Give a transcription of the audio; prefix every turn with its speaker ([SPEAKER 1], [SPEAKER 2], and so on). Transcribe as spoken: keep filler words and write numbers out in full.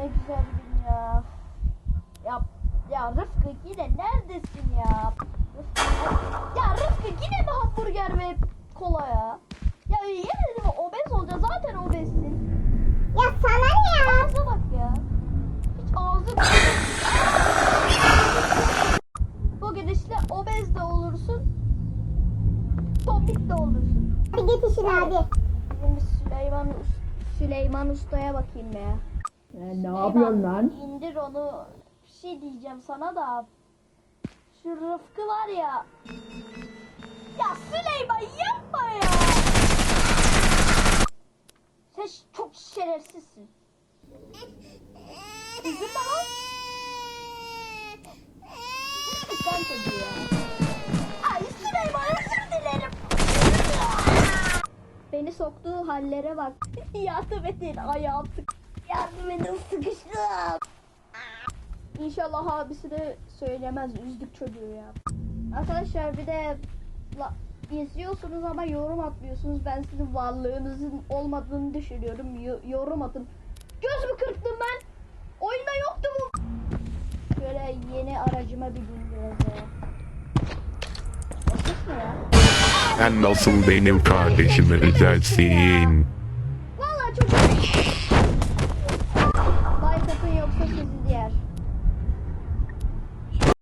[SPEAKER 1] güzel bir gün ya. Ya, ya Rıfkı yine neredesin ya? Rıfkı, ya Rıfkı yine mi hamburger ve kola ya? Ya yemin ederim obez olacaksın, zaten obezsin.
[SPEAKER 2] Ya sana ne ya?
[SPEAKER 1] Ağza bak ya. Hiç ağzı bu gidişle obez de olursun, tombik de olursun.
[SPEAKER 2] Hadi git işine hadi.
[SPEAKER 1] Şimdi Süleyman Süleyman Usta'ya bakayım ya.
[SPEAKER 3] Sen ne yapıyorsun lan?
[SPEAKER 1] İndir onu. Bir şey diyeceğim sana da. Şu Rıfkı var ya. Ya Süleyman yapma ya. Sen ş- çok şerefsizsin. Üzülme lan. Sen çocuğu ya. Ay Süleyman, özür dilerim. Beni soktuğu hallere bak. Yardım edin, ayağım sık. Yardım edin, sıkıştım. İnşallah abisi de söylemez, üzdük çocuğu ya. Arkadaşlar bir de la, izliyorsunuz ama yorum atmıyorsunuz. Ben sizin varlığınızın olmadığını düşünüyorum. Yo- yorum atın. Göz mü kırptım ben? Oyunda yoktu bu. Şöyle yeni aracıma bir bineceğiz ya. Ses ne ya?
[SPEAKER 4] Sen nasıl benim kardeşimi üzersin?
[SPEAKER 1] Vallahi çok